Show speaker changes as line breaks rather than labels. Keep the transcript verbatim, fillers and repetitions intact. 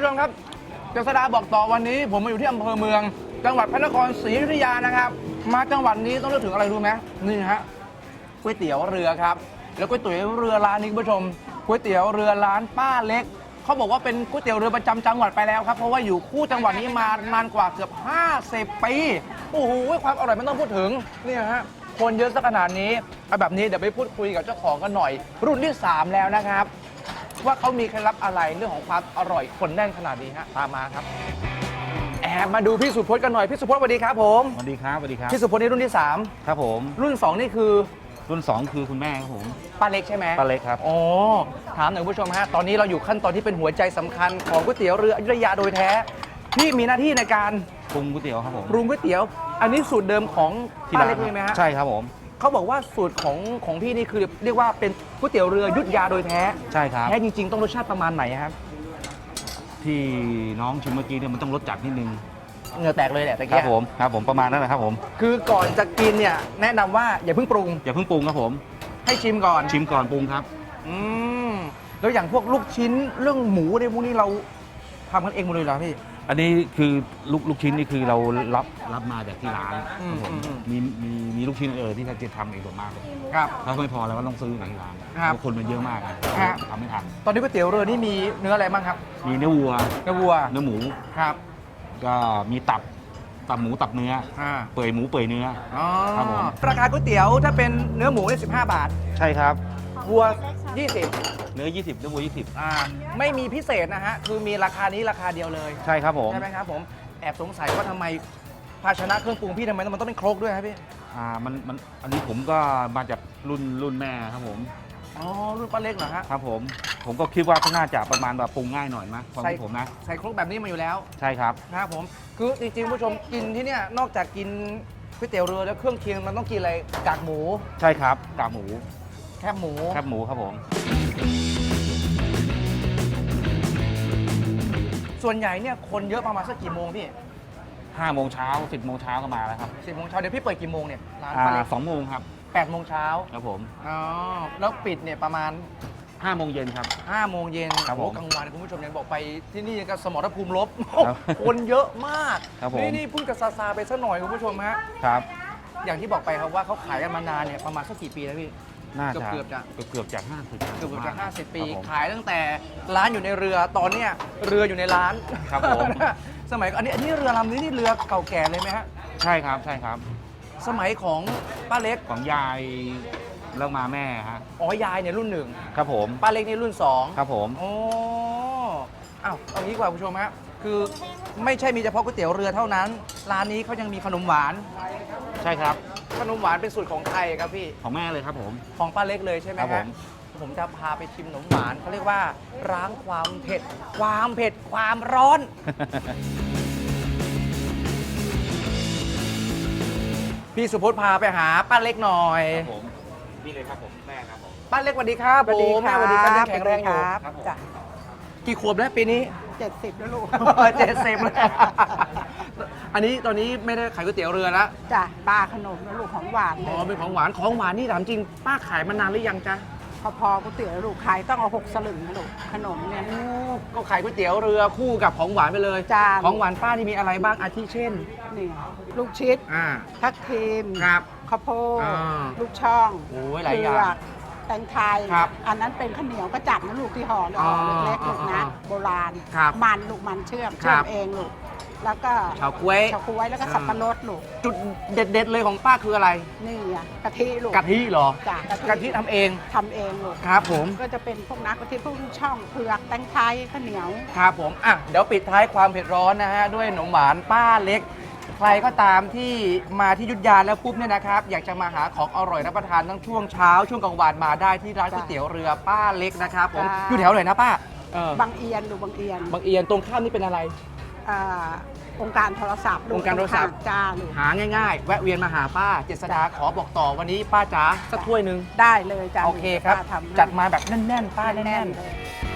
ผู้ชมครับเจษฎาบอกต่อวันนี้ผมมาอยู่ที่อำเภอเมืองจังหวัดพระนครศรีอยุธยานะครับมาจังหวัดนี้ต้องนึกถึงอะไรรู้ไหมนี่ฮะก๋วยเตี๋ยวเรือครับแล้วก๋วยเตี๋ยวเรือร้านนี้คุณผู้ชมก๋วยเตี๋ยวเรือร้านป้าเล็กเขาบอกว่าเป็นก๋วยเตี๋ยวเรือประจำจังหวัดไปแล้วครับเพราะว่าอยู่คู่จังหวัดนี้มานานกว่าเกือบห้าสิบปีโอ้โหความอร่อยไม่ต้องพูดถึงนี่ฮะคนเยอะสักขนาดนี้เอาแบบนี้เดี๋ยวไปพูดคุยกับเจ้าของกันหน่อยรุ่นที่สามแล้วนะครับว่าเขามีเคล็ดลับอะไรเรื่องของความอร่อยคนแน่นขนาดนี้ฮะตามมาครับแอบมาดูพี่สุพจน์กันหน่อยพี่สุพจน์สวัสดีครับผม
สวัสดีครับสวัสดีครับ
พี่สุพจน์นี่รุ่นที่สาม
ครับผม
รุ่นสองนี่คือ
รุ่นสองคือคุณแม่ครับผม
ป้าเล็กใช่ไหม
ป้าเล็กครับ
อ๋อถามหน่อยผู้ชมฮะตอนนี้เราอยู่ขั้นตอนที่เป็นหัวใจสำคัญของก๋วยเตี๋ยวเรืออยุธยาโดยแท้พี่มีหน้าที่ในการ
ปรุงก๋วยเตี๋ยวครับผม
ปรุงก๋วยเตี๋ยวอันนี้สูตรเดิมของป้าเล็กเลยไหมฮะ
ใช่ครับผม
เขาบอกว่าสูตรของของพี่นี่คือเรียกว่าเป็นก๋วยเตี๋ยวเรืออยุธยาโดยแท้
ใช่ครับ
แท้จริงๆต้องรสชาติประมาณไหนครับ
ที่น้องชิมเมื่อกี้เนี่ยมันต้องรสจัดนิดนึง
เหงื่อแตกเลยแหละตะ
ค
กี้
รับผมครับผมประมาณนั้นแหละครับผม
คือก่อนจะกินเนี่ยแนะนำว่าอย่าเพิ่งปรุง
อย่าเพิ่งปรุงครับผม
ให้ชิมก่อน
ชิมก่อนปรุงครับ
อืมแล้วอย่างพวกลูกชิ้นเรื่องหมูในพวกนี้เราทำกันเองหมดเลยเหรอพี่
อันนี้คือลูกลูกชิ้นนี่คือเรารับรับมาจากที่ร้านครับผมมีมีมีลูกชิ้นเออที่เขาจะทำเองส่วนมากเลย
ครับ
ถ้าไม่พอเราก็ต้องซื้อจากที่ร้านเพราะคนมันเยอะมากนะทำไม่ทัน
ตอนนี้ก๋วยเตี๋ยวเรือนี่มีเนื้ออะไรบ้างครับ
มีเนื้อวัว
เนื้อวัว
เนื้อหมู
ครับ
ก็มีตับตับหมูตับเนื้อเปื่อยหมูเปื่อยเนื้อ
ครับผมราคาก๋วยเตี๋ยวถ้าเป็นเนื้อหมูเนี่ยสิบห้าบาท
ใช่ครับ
วัวยี่สิบ
เนื้อยี่สิบเนื้อวัวยี่สิบ
อ่าไม่มีพิเศษนะฮะคือมีราคานี้ราคาเดียวเลย
ใช่ครับผม
ใช่ไหมครับผมแอบสงสัยว่าทำไมภาชนะเครื่องปรุงพี่ทำไมมันต้องเป็นครกด้วยครับพี่
อ่ามันมันอันนี้ผมก็มาจากรุ่นรุ่นแม่ครับผม
อ๋อรุ่นป้าเล็กเหรอฮะ
ครับผมผมก็คิดว่าน่าจะประมาณแบบปรุงง่ายหน่อยมั้ยความคิดผมนะ
ใส่ครกแบบนี้มาอยู่แล้ว
ใช่ครับ
นะครับผมคือจริงๆผู้ชมกินที่เนี่ยนอกจากกินก๋วยเตี๋ยวเรือแล้วเครื่องเคียงมันต้องกินอะไรกากหมู
ใช่ครับกากหมู
แคบหมู
แคบหมูครับผม
ส่วนใหญ่เนี่ยคนเยอะประมาณสักกี่โมงพี่
ห้าโมงเช้าสิบโมงเช้าก็มาแล้วครับ
สิบโมงเช้าเดี๋ยวพี่เปิดกี่โมงเนี่ย
ร้านป้าเล็กสองโมงครับ
แปดโมงเช้า
ครับผม
อ๋อแล้วปิดเนี่ยประมาณ
ห้าโมงเย็นครับ
ห้าโมงเย็น
ครับผม
กลางวันคุณผู้ชมยังบอกไปที่นี่ก็สมรภูมิลบคนเยอะมากนี่นี่พูดกับซาซาไปสักหน่อยคุณผู้ชมฮะ
ครับ
อย่างที่บอกไปครับว่าเขาขายกันมานานเนี่ยประมาณสักกี่ปีแล้วพี่
น่าจะ
เกือบจะ
เกือบจากห้าสิบ
เกือบจากห้าสิบปีขายตั้งแต่ร้านอยู่ในเรือตอนเนี้ยเรืออยู่ในร้าน
ครับผม
สมัยอันนี้อันนี้เรือลำนี้นี่เรือเก่าแก่เลยไหมฮะ
ใช่ครับใช่ครับ
สมัยของป้าเล็ก
ของยายแล้วมาแม่ฮะ
อ๋อยายเนี่ยรุ่นหนึ่ง
ครับผม
ป้าเล็กนี่รุ่นสอง
ครับผม
โอ้อ้าวเอางี้กว่าผู้ชมฮะคือไม่ใช่มีเฉพาะก๋วยเตี๋ยวเรือเท่านั้นร้านนี้เขายังมีขนมหวาน
ใช่ครับ
ขนมหวานเป็นสูตรของใครครับพี่
ของแม่เลยครับผม
ของป้าเล็กเลยใช่ไหมครับผมจะพาไปชิมขนมหวานเขาเรียกว่าล้างความเผ็ดความเผ็ดความร้อนพี่สุพจน์พาไปหาป้าเล็กหน่อย
ครับผมนี่เลยครับผมแม่ครับผม
ป้าเล็กสวัสดีครับผมแม่สวัสดีครับแข็งแรงอยู่
ครับจ้ะ
กี่ขวบแล้วปีนี้
เจ็ดสิบแล้วลูก
เจ็ดสิบแล้วอันนี้ตอนนี้ไม่ได้ขายก๋วยเตี๋ยวเรือแล้ว
จ้ะปลาขนมแล้วลูกของหวาน
อ๋อเป็นของหวานของหวานนี่ถามจริงป้าขายมานานหรือยังจ๊ะ
พอพอก๋วยเตี๋ยวลูกขายต้องเอาหกสลึงนะลูกขนมเนี่ย
ก็ขายก๋วยเตี๋ยวเรือคู่กับของหวานไปเลย
จ้า
ของหวานป้าที่มีอะไรบ้างอาทิเช่น
นี่ลูกชิดทับทิมข้าวโพดลูกช่อง
โอ้ยหลายอย่าง
แตงไทยอันนั้นเป็นข้าวเหนียวก็จัดนะลูกที่ห่อเล็กๆลูกนะโบราณมันลูกมันเชื่อมเชื่อมเองลูกแล้วก็
เฉาก๊วย
เฉาก๊วยแล้วก็สับปะรดลูก
จุดเด็ดๆเลยของป้าคืออะไร
นี่อ่ะกะทิลูก
กะทิเหรอ
จ้ะ
กะทิทำเอง
ทำเองลูก
ครับผม
ก็จะเป็นพวกนักกะทิพวกช่องเผือกแตงไทยข้าวเหนียว
ครับผมอ่ะเดี๋ยวปิดท้ายความเผ็ดร้อนนะฮะด้วยขนมหวานป้าเล็กใครก็ตามที่มาที่อยุธยาแล้วปุ๊บเนี่ยนะครับอยากจะมาหาของอร่อยรับประทานทั้งช่วงเช้าช่วงกลางวันมาได้ที่ร้านก๋วยเตี๋ยวเรือป้าเล็กนะครับผมอยู่แถวไหนนะป้า
บางเอียนดูบางเอียน
บางเอียนตรงข้ามนี่เป็นอะไร
องค์การโทรศัพท์
องค์การโทรศัพท์
จ้า
หาง่ายๆแวะเวียนมาหาป้าเจษฎาขอบอกต่อวันนี้ป้าจ๋าสักถ้วยหนึ่ง
ได้เลยจ้า
โอเคครับจัดมาแบบแน่นๆป้าแน่นๆ